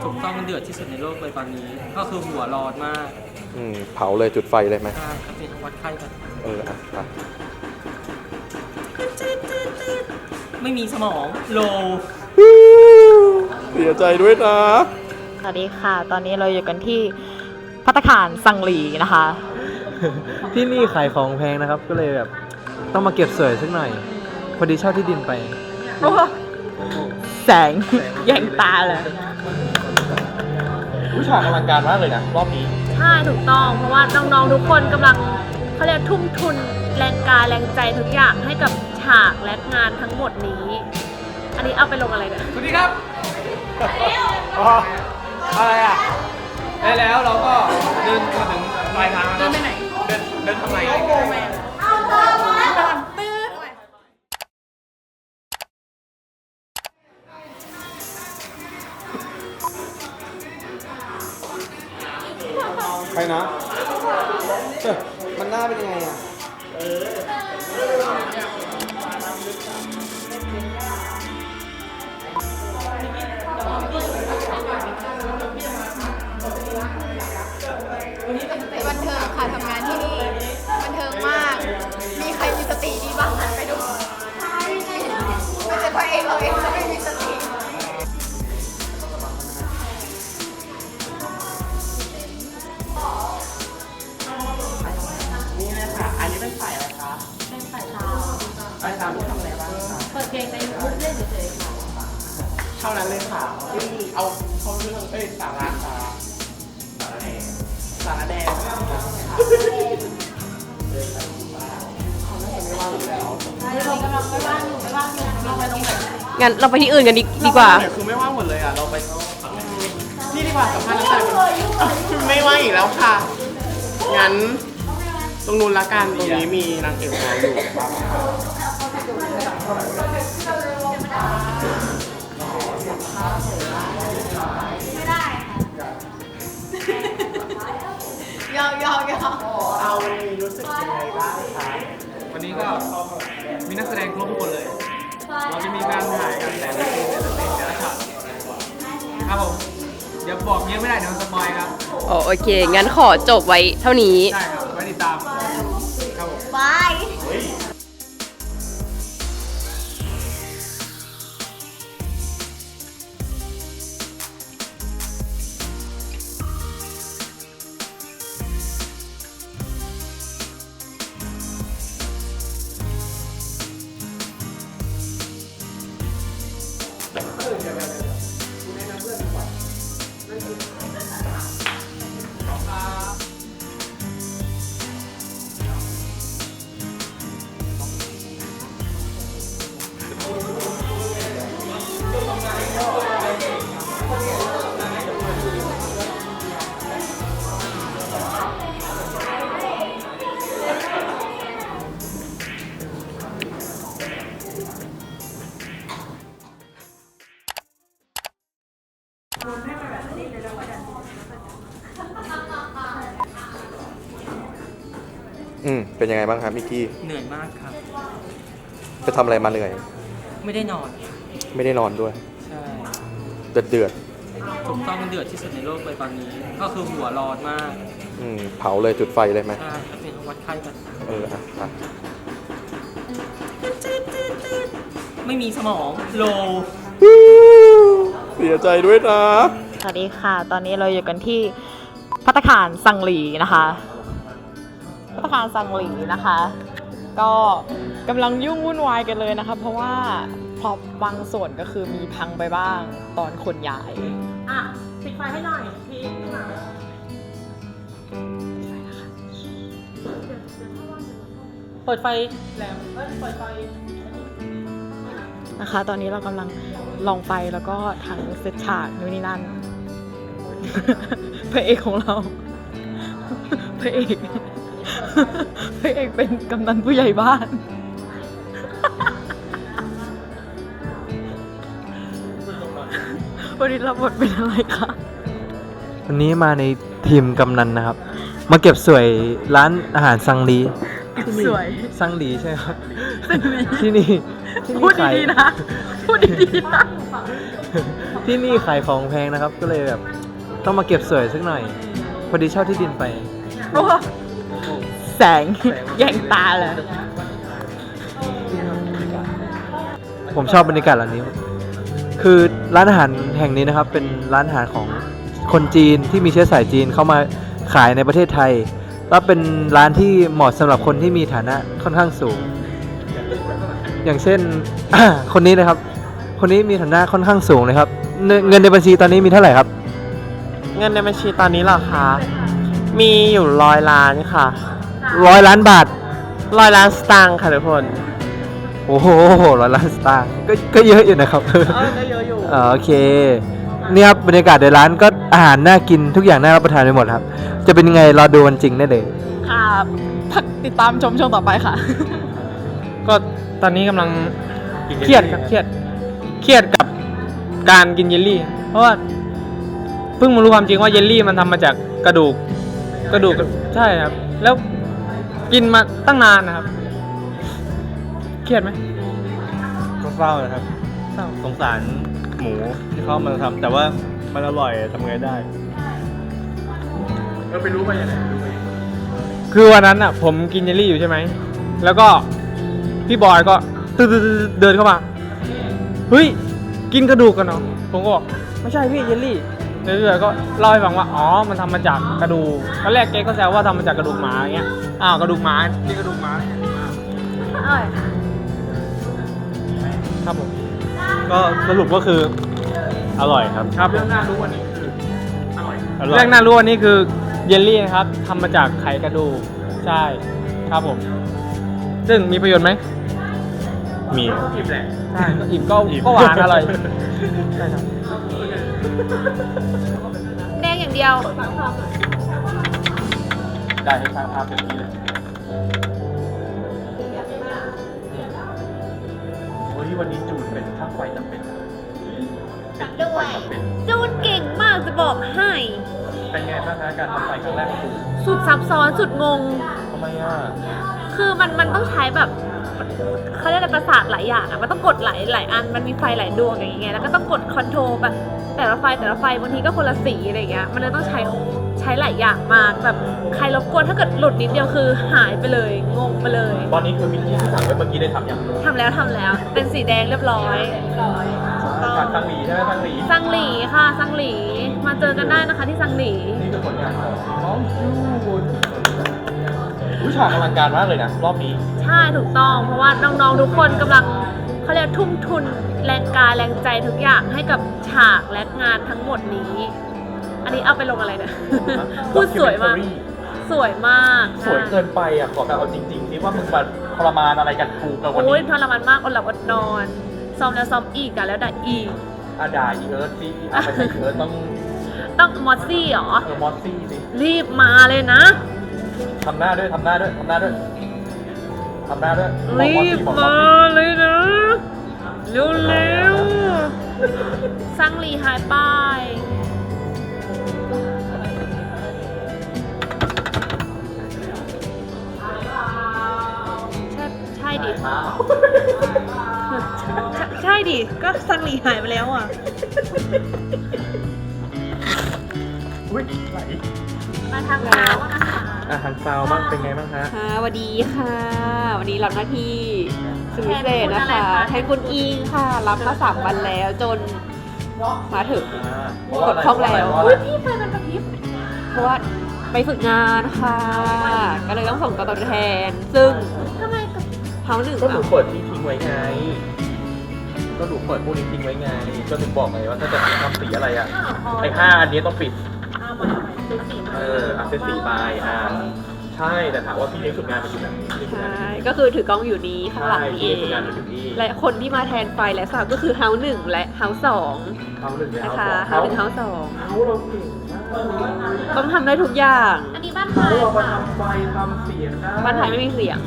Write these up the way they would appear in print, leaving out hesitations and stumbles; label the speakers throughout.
Speaker 1: ถูกต้องมันเดือดที่สุดในโลกเลยตอนนี้ก็คือหัวร้อนมาก
Speaker 2: เผาเลยจุดไฟเลยไหม
Speaker 1: ใช่ครับเป็นวัดไข้กัน
Speaker 2: อ่ะไป
Speaker 1: ไม่มีสมองโล
Speaker 2: เสียใจด้วยนะ
Speaker 3: สวัสดีค่ะ ตอนนี้เราอยู่กันที่ภัตตาคารซังหลีนะคะ
Speaker 4: ที่นี่ขายของแพงนะครับ ก็เลยแบบต้องมาเก็บสวยสักหน่อย พอดีเช่าที่ดินไป
Speaker 3: แสงแย่งตาเลย
Speaker 2: ผู้ฉากอลังการมากเลยนะรอบนี้
Speaker 3: ใช่ถูกต้องเพราะว่าน้องๆทุกคนกำลังเขาเรียกทุ่มทุนแรงกายแรงใจทุกอย่างให้กับฉากและงานทั้งหมดนี้ อันนี้เอาไปลงอะไรเนี่ย
Speaker 1: สวัสดีครับอะไรอ่ะได้แล้วเราก็เดินมาถึงปลายทางแล้วเดินไปไหนเดินทำไม
Speaker 2: ใครนะมันหน้าเป็นยังไงอ่ะ
Speaker 5: บันเทิงค่ะทำงานที่นี่บันเทิงมาก มีใครมีสติดีบ้างหันไปดูไม่ใช่เพราะเองเราเองจะไม่มีสติ
Speaker 1: นี่เลยค่ะอันนี้เป็นฝ่ายอะไรคะเป็นฝ่ายเช้าฝ่ายเช้าที่ทำอะไรบ้างคะเปิดเพลงในยูทูบเล่นเฉยๆค่ะเท่านั้นเลยค่ะเอาเข้าเรื่องสาระแดง
Speaker 3: งั้นเราไปที่อื่นกันดีกว่า
Speaker 1: คือไม่ว่างหมดเลยอ่ะเราไปนี่ดีกว่าสัมภาษณ์นักแสดงไม่ว่างอีกแล้วค่ะงั้นตรงนู้นละกันตรงนี้มีนางเอกของเราอยู่
Speaker 5: ยอม
Speaker 1: เอาวันนี้รู้สึกยังไงบ้างคะวันนี้ก็มีนักแสดงครบทุกคนเลย เราจะมีการถ่ายกันแต่ละซีนแต่ละช็อตครับผมเดี๋ยวบอกเยอะไม่ได้เดี๋ยวมันสปอยครับ
Speaker 6: โอเค งั้นขอจบไว้เท่านี้
Speaker 1: ใช่ครับไว้ติดตามครับผม
Speaker 5: บาย
Speaker 2: เป็นยังไงบ้างครับมิกกี้
Speaker 1: เหนื่อยมากครับ
Speaker 2: ไปทำอะไรมาเหนื่อย
Speaker 1: ไม่ได้นอน
Speaker 2: ไม่ได้นอนด้วย
Speaker 1: ใช่
Speaker 2: เดือด
Speaker 1: ถูกต้องมันเดือดที่สุดในโลกเลยตอนนี้ก็คือหัวร้อนมาก
Speaker 2: เผาเลยจุดไฟเลยไหม
Speaker 1: ใช่ครับเป็นวัดไข้กัน
Speaker 2: อ่ะไป
Speaker 1: ไม่มีสมองโล
Speaker 2: เสียใจด้วยนะ
Speaker 3: สวัสดีค่ะ ตอนนี้เราอยู่กันที่ภัตตาคารซังหลีนะคะภัตตาคารซังหลีนะคะ ก็กำลังยุ่งวุ่นวายกันเลยนะคะ เพราะว่าพร็อพบางส่วนก็คือมีพังไปบ้างตอนขนย้ายอ่ะปิดไฟให้หน่อยพี่เปิดไฟแหลมเปิดไฟนะคะ ตอนนี้เรากำลังลองไฟแล้วก็ทั้งเซตฉากนู่นนี่นั่น พระเอกของเรา พระเอกเป็นกำนันผู้ใหญ่บ้าน วันนี้รับบทเป็นอะไรคะ
Speaker 4: วันนี้มาในทีมกำนันนะครับ มาเก็บสวยร้านอาหารซังลี
Speaker 3: สวย
Speaker 4: ซังลีใช่ไหมครับ
Speaker 3: ซังลี
Speaker 4: ที่นี่
Speaker 3: พูดดีๆนะ พูดดีๆนะ
Speaker 4: ที่นี่ขายของแพงนะครับ ก็เลยแบบต้องมาเก็บสวยสักหน่อย พอดีเช่าที่ดินไป
Speaker 3: โอ้แสง แย่งตาเลย
Speaker 4: ผมชอบบรรยากาศร้านนี้ คือร้านอาหารแห่งนี้นะครับ เป็นร้านอาหารของคนจีนที่มีเชื้อสายจีนเข้ามาขายในประเทศไทย แล้วเป็นร้านที่เหมาะสำหรับคนที่มีฐานะค่อนข้างสูง อย่างเช่น คนนี้นะครับ คนนี้มีฐานะค่อนข้างสูงเลยครับ เงินในบัญชีตอนนี้มีเท่าไหร่ครับ
Speaker 7: เงินในบัญชีตอนนี้เหรอคะ มีอยู่100 ล้านค่ะ
Speaker 4: 100 ล้านบาท
Speaker 7: 100 ล้านสตางค์ค่ะทุกคน
Speaker 4: โอ้โห100 ล้านสตางค์ก็เยอะอยู่นะครับ
Speaker 7: ก็เยอะอยู่
Speaker 4: โอเค นี่ครับบรรยากาศในร้านก็อาหารน่ากินทุกอย่างน่ารับประทานไปหมดครับ จะเป็นยังไงรอดูวันจริงได้เลย
Speaker 3: ค่ะพักติดตามชมช่วงต่อไปค่ะ
Speaker 7: ก็ตอนนี้กำลังเครียดครับเครียดกับการกินเยลลี่ เพราะว่าเพิ่งมารู้ความจริงว่าเยลลี่มันทำมาจากกระดูกใช่ครับ แล้วกินมาตั้งนานนะครับ เครียดไหม
Speaker 1: ก็เศร้านะครับ
Speaker 7: เศร้า
Speaker 1: สงสารหมูที่เขามาทำแต่ว่ามันอร่อยทำไงได้เราไปรู้มาอย่างไร
Speaker 7: คือวันนั้นอ่ะ ผมกินเยลลี่อยู่ใช่ไหม แล้วก็พี่บอยก็เดินเข้ามา เฮ้ย กินกระดูกกันเนาะผมก็บอกไม่ใช่พี่เยลลี่เรื่อยๆก็เล่าให้ฟังว่าอ๋อมันทำมาจากกระดูกตอนแรกเก๊ก็แซวว่าทำมาจากกระดูกหมาอย่างเงี้ยอ้าวกระดูกหมานี่กระดูกหมาครับผม
Speaker 1: ก็สรุปก็คืออร่อยครับ
Speaker 7: ครับเรื่องน่ารู้วันนี้คืออร่อยเรื่องน่ารู้วันนี้คือเยลลี่นะครับทำมาจากไข่กระดูกใช่ครับผม ซึ่งมีประโยชน์ไหม
Speaker 1: มี
Speaker 7: อิ่มแหละใช่ก็อิ่มก็หวานอร่อยใช่ครับ
Speaker 5: แดงอย่างเดียว
Speaker 1: ได้ให้สร้างภาพแบบนี้เลยวันนี้จูนเป็นช่างไฟจำเป็น
Speaker 5: ด้วย จูนเก่งมากจะบอกให้
Speaker 1: เป็นไงบ้างคะการทำไฟครั้งแรกของจูน
Speaker 5: สุดซับซ้อนสุดงง
Speaker 1: ทำไมอ่ะ
Speaker 5: คือมันต้องใช้แบบเขาเรียกอะไรประสาทหลายอย่างอะมันต้องกดหลายอัน มันมีไฟหลายดวงอย่างเงี้ยแล้วก็ต้องกดคอนโทรลแบบแต่ละไฟบางทีก็คนละสีอะไรเงี้ยมันเลยต้องใช้หลายอย่างมากแบบใครรบกวนถ้าเกิดหลุดนิดเดียวคือหายไปเลยงงไปเลย
Speaker 1: ตอนนี้คือวิธีที่สั่งไว้เมื่อกี้ได้ทำยัง
Speaker 5: ทำแล้วเป็นสีแดงเรียบร้อยถูกต้อง
Speaker 1: สังหลีใช่ไหมสังหลี
Speaker 5: ซังหลีค่ะซังหลีมาเจอกันได้นะคะที่ซังหลี
Speaker 1: นี่คือผลงานของน้องจูนผู้ฉากอลังการมากเลยนะรอบนี้
Speaker 5: ใช่ถูกต้องเพราะว่าน้องๆทุกคนกำลังเขาเรียกทุ่มทุนแรงกายแรงใจทุกอย่างให้กับฉากและงานทั้งหมดนี้ อันนี้เอาไปลงอะไรเนี่ย พูดสวยมาก สวยมาก
Speaker 1: สวยเกินไปอ่ะขอแบบเอาจริงๆนี่ว่ามึงมาทรมานอะไรกันกูกับวัน
Speaker 5: โอ้ย
Speaker 1: นี้
Speaker 5: ทรมานมากอดหลับอดนอน ซ้อมแล้วซ้อมอีกอะแล้วด่าอีก
Speaker 1: ด่าอีเอิร์ธสิไม่ใช่อีเอิร์ธ
Speaker 5: ต้องมอสซี่เหรอ
Speaker 1: มอสซี่สิ
Speaker 5: รีบมาเลยนะ
Speaker 1: ทำหน้าด้วยทำหน้าด้วยบอก
Speaker 5: รี
Speaker 1: มอส
Speaker 5: บ
Speaker 1: ซี่บอกมอส
Speaker 5: มา
Speaker 1: ซี่
Speaker 5: เลยนะ เร็วๆซังหลีหายไปใช่ดิ ใช่ดิ ก็ซังหลีหายไปแล้วอ่ะ
Speaker 1: อุ้ยไหล
Speaker 5: มาทางเท้านะคะ
Speaker 1: อาหารซาวบ้างเป็นไงบ้างฮะ
Speaker 6: ค่ะสวัสดีค่ะ วันนี้รับหน้าที่สุดพิเศษนะคะแทนคุณอิงค่ะ รับมา3 วันแล้วจนมาถึง กดครบแล้ว
Speaker 5: อุ้ยพี่ไฟมันกระพริบ
Speaker 6: เพราะว่าไปฝึกงานค่ะ ก็เลยต้องส่งตัวแทน ซึ่ง
Speaker 5: ทำไมกระพริบ
Speaker 6: เฮาหนึ่ง
Speaker 1: ก็หนู
Speaker 6: อ่ะ
Speaker 1: เปิดที่ทิ้งไว้ไง ก็หนูเปิดพวกนี้ทิ้งไว้ไง ก็ถึงบอกไงว่าถ้าจะทำสีอะไรอ่ะ ไอ้5อันนี้ต้องปิด
Speaker 5: อ้าวมันทำไมเป็นสีมา
Speaker 1: เซตสีไปใช่ แต่ถามว่าพี่เลี้ยงฝึกงานเป็นอยู่ไหนพี่เลี้ยงฝึกงาน
Speaker 6: ใช่ก็คือถือกล้องอยู่นี้ข้างหลัง
Speaker 1: ใช่
Speaker 6: นี่
Speaker 1: พี่
Speaker 6: เอ
Speaker 1: เลี้ยงฝึกงาน
Speaker 6: ง
Speaker 1: อยู่ที่
Speaker 6: และคนที่มาแทนไฟและสาวก็คือเฮาหนึ่งและเฮาสอง
Speaker 1: เอาหนึ่งเลย
Speaker 6: นะคะ
Speaker 1: เอา
Speaker 6: เฮาหนึ่งเฮาสอง
Speaker 1: เอาเราเก่งมาก
Speaker 6: ต้องทำได้ทุกอย่าง
Speaker 5: อันนี้บ้านไทย
Speaker 1: เรามา
Speaker 5: ค่ะ
Speaker 1: ทำไฟทำเสียงได้
Speaker 6: บ้านไทยไม่มีเสียง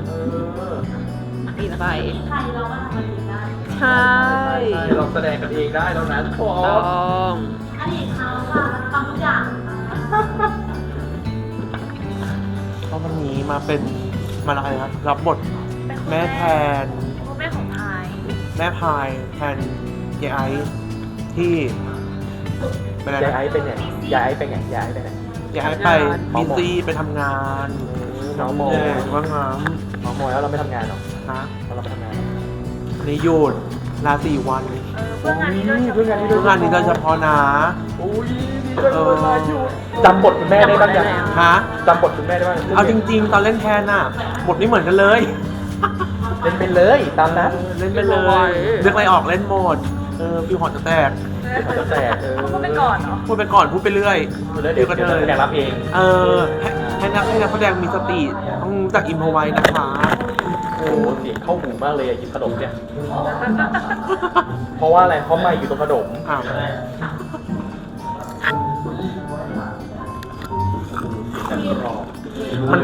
Speaker 6: ปิดไฟ
Speaker 5: ไทยเราว่าทำมันดีได้
Speaker 6: ใช่
Speaker 1: ใช่เราแสดงกันเองได้แล้วนะทุกค
Speaker 6: ต้
Speaker 1: น
Speaker 6: อง
Speaker 5: อันนี้เขาค่ะทำทุกอย่าง
Speaker 7: ก็วันนี้มาเป็นมาอะไรครับรับบทแม่แทน
Speaker 5: พ่อแม่ของไทย
Speaker 7: แม่พายแทนเยไอซ์
Speaker 8: ที่ไปไหน
Speaker 4: ยาย
Speaker 8: นะ
Speaker 4: ไอ้เป็นไงยายไอ้เป็นไงยายไอ้เป็นไง
Speaker 8: ย้ายไปบีซีไปทำงาน
Speaker 4: น้องโม
Speaker 8: เออว่างงาน
Speaker 4: น้องโมแล้วเราไม่ทำงานหรอ
Speaker 8: ฮะ
Speaker 4: แล้วเราไม่ทำงานหรอ
Speaker 8: นี่หยุดลา4 วัน
Speaker 5: เพื่องานนี้โดยเฉ
Speaker 4: เพื่องาน
Speaker 5: พาะ
Speaker 4: นี้
Speaker 8: ทุกงานนี้โดยเฉพาะนะ
Speaker 4: จำบทคุณแม่ได้บ้างยัง
Speaker 8: ฮะ
Speaker 4: จำบทคุณแม่ได้บ้าง
Speaker 8: เอาจริง ๆ ตอนเล่นแทนน่ะบทไม่เหมือนกันเลย
Speaker 4: เล่นไปเลยตามนั้น
Speaker 8: เล่นไปเลยเลือกอะไรออกเล่นหมดฟิวหอจะแตก
Speaker 4: เขาจะแตก
Speaker 5: พูดไปก่อนเนาะ
Speaker 8: พูดไปก่อนพูดไปเรื่อย
Speaker 4: เดี๋ยวจะแข่งรับเอง
Speaker 8: ให้นักแสดงมีสติต้องรู้จักอิมพอไว้นะคะ
Speaker 4: โอ้โหเสียงเข้าหูมากเลยอะหยิบขนมเนี่ย เพราะว่าอะไร เพราะไม่อยู่ตรงขนม
Speaker 8: อ้าวมัน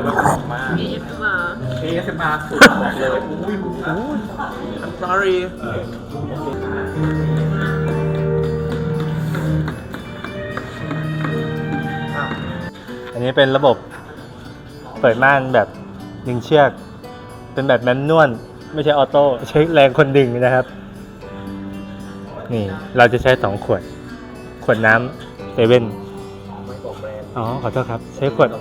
Speaker 4: ASMR สุดบอกเลย
Speaker 8: I'm sorry
Speaker 9: อันนี้เป็นระบบเปิดม่านแบบดึงเชือก เป็นแบบแมนนวลไม่ใช่ออโต้ใช้แรงคนดึงนะครับ นี่เราจะใช้2 ขวดน้ำเซเว่นอ๋อขอโทษครับ ใช้ขวด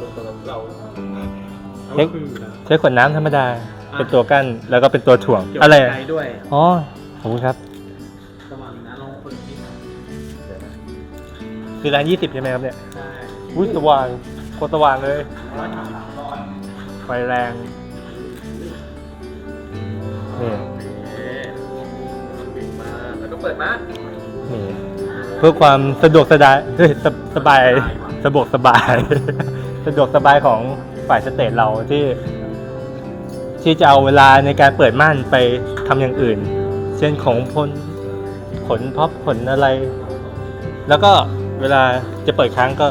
Speaker 9: น้ำธรรมดา เป็นตัวกั้นแล้วก็เป็นตัวถ่วงอะไร
Speaker 1: ใจด้วย
Speaker 9: อ๋อขอบคุณครับ
Speaker 1: สว่างนะลองเปิดที่
Speaker 9: คือร้าน20ใช่ไหมครับเนี่ยอุ้ยสว่างโคตรสว่างเลยไฟแรงนี่
Speaker 1: แล้วก็เปิดมา
Speaker 9: นี่เพื่อความสะดวกสบายสบายสะดวกสบาย สะดวกสบายของฝ่ายสเตจเราที่จะเอาเวลาในการเปิดม่านไปทำอย่างอื่น เช่นของขนพับขนอะไร แล้วก็เวลาจะเปิดค้างก็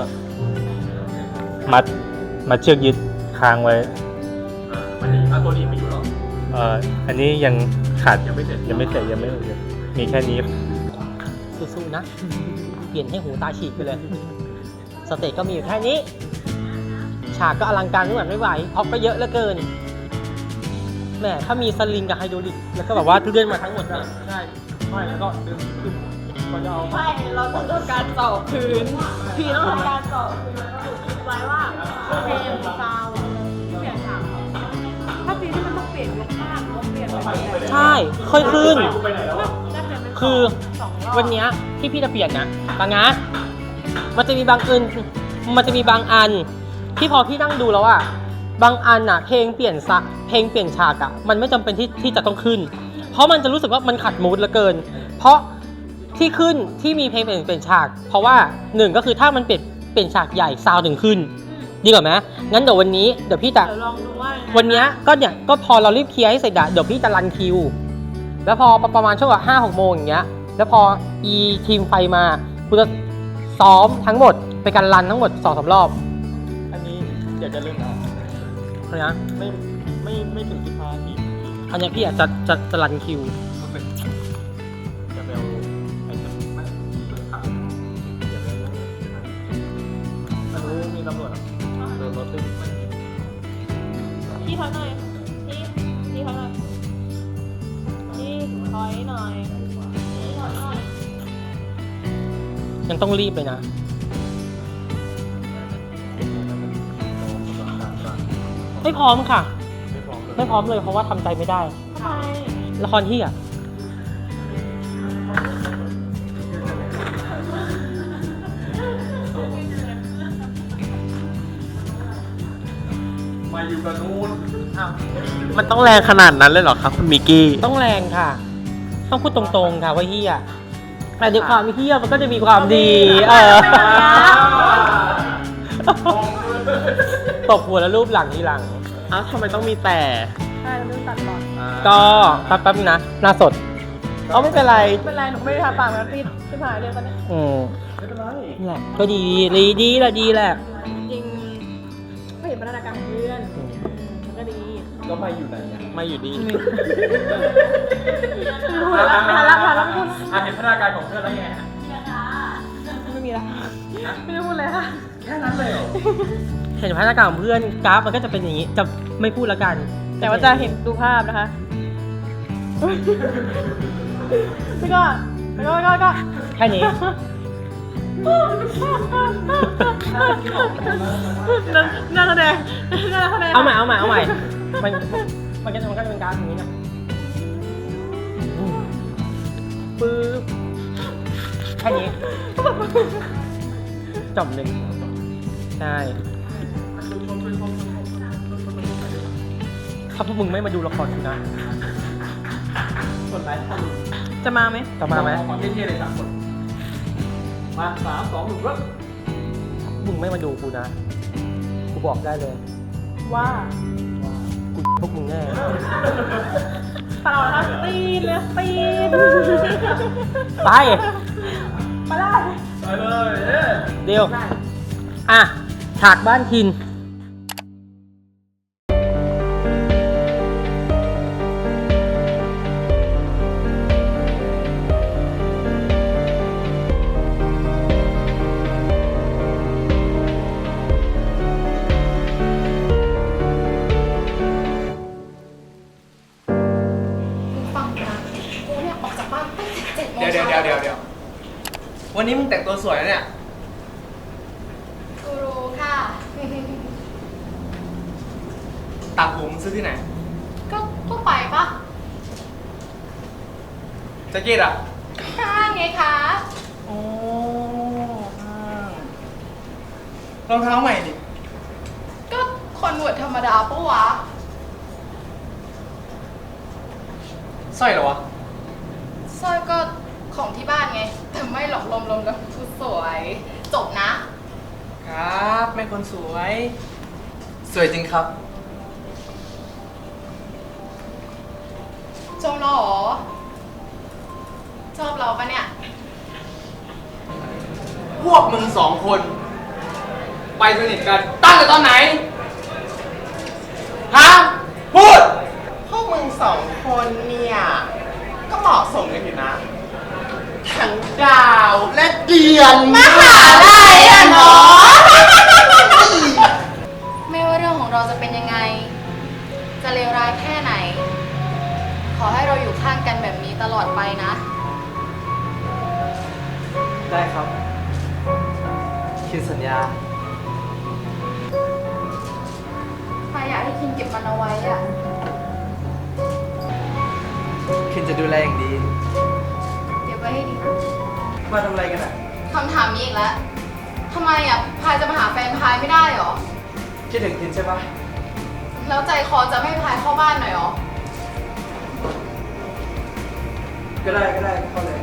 Speaker 9: มัดเชือกยึดค้างไว้
Speaker 1: วันนี้เอาตัวนี้ไปอยู่หรอ
Speaker 9: อันนี้ยังขาด
Speaker 1: ยังไม่เสร็จ
Speaker 9: ยังไม่มีแค่นี้
Speaker 10: สู้ๆนะ เปลี่ยนให้หูตาฉีกไปเลย สเตจก็มีอยู่แค่นี้ ฉากก็อลังการไม่หวั่นไม่ไหวพ็อปก็เยอะเหลือเกินแหมถ้ามีสลิงกับไฮดรอลิกแล้วก็แบบว่าเลื่อนมาทั้งหมดเลย
Speaker 1: ใช่ไม่แล้วก็ดึงขึ้นก็จะเอา
Speaker 3: ใช่ เราต้องทำการเจาะพื้น พี่ต้องทำการเจาะพื้นแล้วก็ดูคิดไว้ว่าเพลงซาวด์เปลี่ยนฉาก
Speaker 5: ถ้าปีที่มันต้องเปลี่ยนยกข้างต้องเปลี่ยนไปแบบ
Speaker 10: ใช่ ค่อยขึ้น
Speaker 5: ได้เปลี่ยนเป็น
Speaker 10: คือ
Speaker 5: 2 รอบ
Speaker 10: วันเนี้ยที่พี่จะเปลี่ยนนะบางนะมันจะมีบางอันที่พอพี่นั่งดูแล้วอะบางอันอะเพลงเปลี่ยนฉากอะมันไม่จำเป็นที่จะต้องขึ้น เพราะมันจะรู้สึกว่ามันขัดมูดเหลือเกิน เพราะที่ขึ้นที่มีเพลงเปลี่ยนฉาก เพราะว่า1ก็คือถ้ามันเปลี่ยนฉากใหญ่ซาวด์ถึงขึ้น ดีกว่าไหมงั้นเดี๋ยววันนี้เดี๋ยวพี่จะ
Speaker 5: เดี๋ยวลองดูว่า
Speaker 10: วันเนี้ยก็พอเรารีบเคลียร์ให้เสร็จอะเดี๋ยวพี่จะรันคิว แล้วพอประมาณช่วง5-6 โมงอย่างเงี้ยแล้วพอทีมไฟมากูจะซ้อมทั้งหมดไปการรันทั้งหมด 2-3 รอบ
Speaker 9: อันนี้เดี๋ยวจะเริ่มแล้ว
Speaker 10: อะไรนะ
Speaker 9: ไม่ถึง15 นาที
Speaker 10: อันเนี้ยพี่อะจะรันคิว
Speaker 9: จะไปเอาไอ้จะไม่เปิดข่าวไม่รู้มีตำรวจเดินรถตึ้ง
Speaker 5: พี่ถอยหน่อยพี่ถอยหน่อยพี่ถอยหน่อยพี่ถอยหน่อย
Speaker 10: ยังต้องรีบเลยนะ ไม่พร้อมค่ะ ไม่พร้อมเลยเพราะว่าทำใจไม่ได้
Speaker 5: ทำไม
Speaker 10: ละครที่อะ
Speaker 1: มาอยู่กับนู้น
Speaker 8: มันต้องแรงขนาดนั้นเลยเหรอครับคุณมิกกี้
Speaker 10: ต้องแรงค่ะ ต้องพูดตรงๆค่ะว่าเฮียแต่ในความเฮียมันก็จะมีความดีตบหัวแล้วรูปหลังทีหลัง
Speaker 8: อ้าวทำไมต้องมีแต่
Speaker 5: ใช่เราต้องตัดก่อน
Speaker 10: ก็แป๊บๆนะหน้าสด
Speaker 8: ไม่เป็นไร
Speaker 5: ไม่เป็นไรหนูไม่ได้ทาปากมันปิดขึ้นหายเลยตอนนี้
Speaker 10: นี่แหละก็ดีแหละ
Speaker 5: จริงๆก็เห็นพัฒนาการของเพื่อนมันก็ดี
Speaker 9: ก็ไม่อยู่ไหนไม่อยู่ดี
Speaker 5: พาละพูด
Speaker 1: เห็นพัฒนาการของเพื่อนแล้วไงฮะ
Speaker 5: ไม่มีละไม่ได้พูดเลยค่ะ
Speaker 1: แค่นั้นเลยเหรอ
Speaker 10: เห็นพัฒนาการของเพื่อนกราฟมันก็จะเป็นอย่างนี้จะไม่พูดละกัน
Speaker 5: แต่ว่าจะเห็นดูภาพนะคะแล้วก็
Speaker 3: ก็
Speaker 10: แค่นี้
Speaker 3: น่าแสดงน่าแสดง
Speaker 10: เอาใหม่มันก็จะเป็นการอย่างนี้นะปึ๊บแค่นี้จบเลยใช่ถ้าพวกมึงไม่มาดูละครกูนะ
Speaker 3: จะมาไหม
Speaker 10: จะมาไหม
Speaker 1: ความเท่ๆเลย3 คน มา 3 2 1 เริ่ม
Speaker 10: มึงไม่มาดูกูนะ กูบอกได้เลย
Speaker 3: ว่า
Speaker 10: กูพวกมึงแน่
Speaker 3: เปล่านะตีนเลยตีน
Speaker 10: ไป
Speaker 3: ไปได้
Speaker 1: ไปเลยเย้
Speaker 10: เดี๋ยว อ่ะ ฉากบ้านทิน
Speaker 3: ฟังนะกูเนี่ยออกจากบ้านตั้งแต่7 โมง
Speaker 1: เดี๋ยววันนี้มึงแต่งตัวสวยนะเนี่ย
Speaker 3: กูรู้ค่ะ
Speaker 1: ตัดผมซื้อที่ไหน
Speaker 3: ก็ทั่วไปปะ
Speaker 1: แจ็คเก็ตอ่ะ
Speaker 3: ห้างไงคะ
Speaker 1: โอ้รองเท้าใหม่ดิ
Speaker 3: ก็คนหนวดธรรมดาปะวะ
Speaker 1: สร้อยเหรอวะ
Speaker 3: สร้อยก็ของที่บ้านไง แต่ไม่หลอกลมแล้วกูสวย จบนะ
Speaker 1: ครับแม่คนสวย สวยจริงครับ
Speaker 3: ชมเราเหรอ ชอบเราปะเนี่ย
Speaker 1: พวกมึง2 คน ไปสนิทกันตั้งแต่ตอนไหน ฮะ พูด
Speaker 8: พวกมึง2 คนเนี่ย ก็เหมาะสมกันอยู่นะ ทั้งดาวและเดือนมหาลัยอะเนาะ
Speaker 3: ไม่ว่าเรื่องของเราจะเป็นยังไง จะเลวร้ายแค่ไหน ขอให้เราอยู่ข้างกันแบบนี้ตลอดไปนะ
Speaker 4: ได้ครับคิดสัญญา
Speaker 3: ถ้าอยากให้คินเก็บมันเอาไว้อะ
Speaker 4: คินจะดูแลอย่างดี
Speaker 3: เก็บไว้ให้ดีนะ
Speaker 4: มาทำอะไรกันอ่ะ
Speaker 3: คำถามนี้อีกแล้ว ทำไมอ่ะ พายจะมาหาแฟนพายไม่ได้หรอ
Speaker 4: คิดถึงคินใช่ปะ
Speaker 3: แล้วใจคอจะไม่ให้พายเข้าบ้านหน่อยหรอ
Speaker 4: ก็ได้เข้าเลย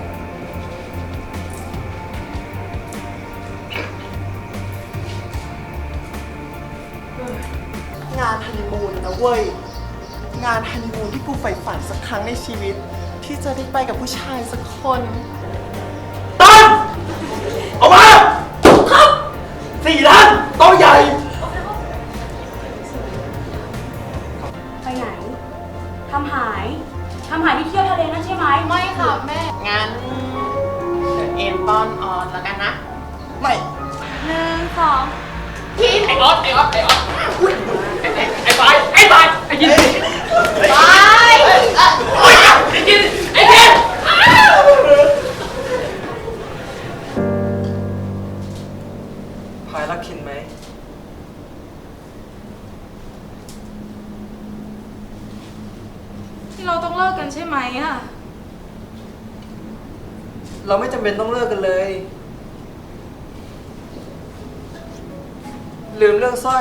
Speaker 8: งานฮันนีมูนนะเว้ย งานฮันนีมูนที่กูใฝ่ฝันสักครั้งในชีวิต ที่จะได้ไปกับผู้ชายสักคน
Speaker 1: ตั้นออกมา ครับ4 ล้านโต๊ะใหญ่
Speaker 11: ไปไหน ทำหายที่เที่ยวทะเลนั่นใช่ไหม
Speaker 3: ไม่ค่ะแม่
Speaker 8: งั้นเดี๋ยวเอ็นตอนออนแล้วกันนะ ไม่
Speaker 11: 1 2
Speaker 1: ไอ้ออสอุ๊ยไอ้บายไอ้ยิน
Speaker 3: ไป
Speaker 1: ไอ้ยินไอ้เทน
Speaker 4: พายรักคินไหม
Speaker 3: ที่เราต้องเลิกกันใช่ไหมอ่ะ
Speaker 4: เราไม่จำเป็นต้องเลิกกันเลย ลืมเรื่องสร้อย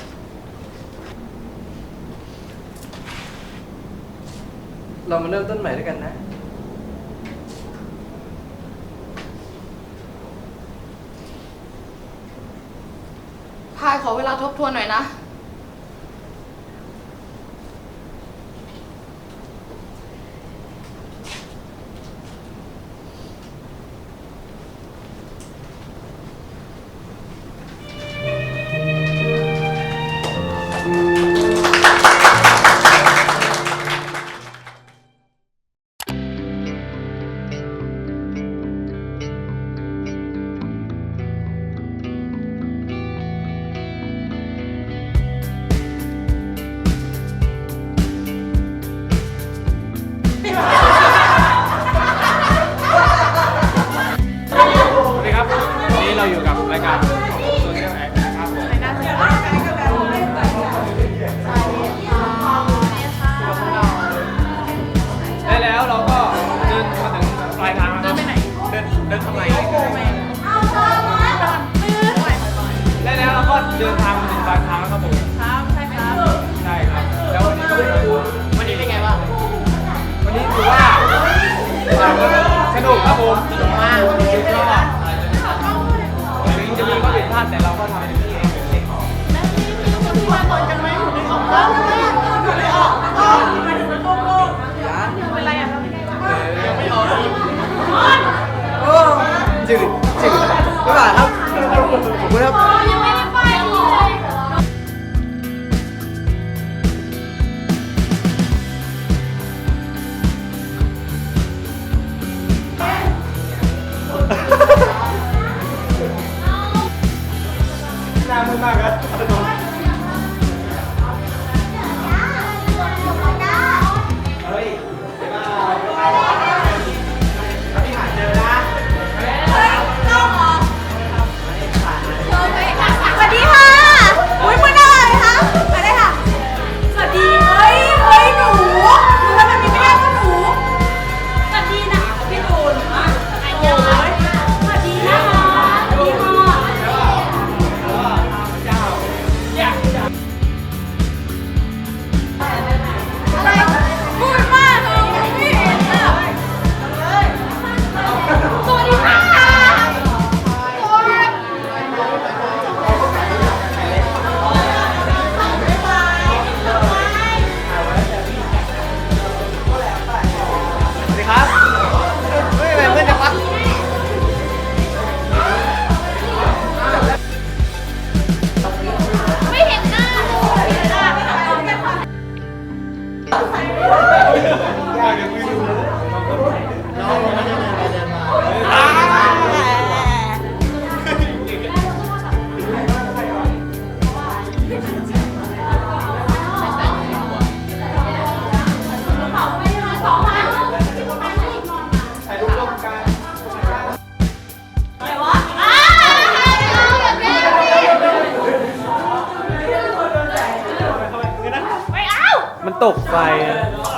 Speaker 4: เรามาเริ่มต้นใหม่ด้วยกันนะ
Speaker 3: พายขอเวลาทบทวนหน่อยนะ
Speaker 1: รายการโซเชียลแอคนะครับผมได้แล้วเราก็เดินมาถึงปลายทางแล้วครับเดินทำไมได้แล้วเราก็เดินทางมาถึงปลายทางแล้วครับผมใช่ครับแล้ววันนี้เป็นไงบ้างวันนี้ถือว่าสนุกครับผมสนุกมากสุดยอดถึงจะมีข้อผิดพลาดแต่เราก็ทำให้เต็มที่เองจืดไม่บาครับขอบคุณครับยังไม่ได้ไปเลยน่ามืดมากครับเฮ้ยพี่หาเจอนะ
Speaker 11: สวัสดีค่ะ อุ้ยมันอะไรคะมาได้ค่ะ สวัสดี เฮ้ยหนูทำแบบนี้ไม่ได้ก็หนู สวัสดีนะพี่ตูนอันยองสวัสดีนะคะสวัสดีค่ะอะไรพูดมากเลยไม่เห็นอ่ะสวัสดีค่ะ
Speaker 1: สวัสดีครับเฮ้ยเพื่อนจังวะ
Speaker 11: ไม่เห็นหน้าเลยไม่เห็นหน้าไม่เห็นหน้า
Speaker 1: มันตกไฟ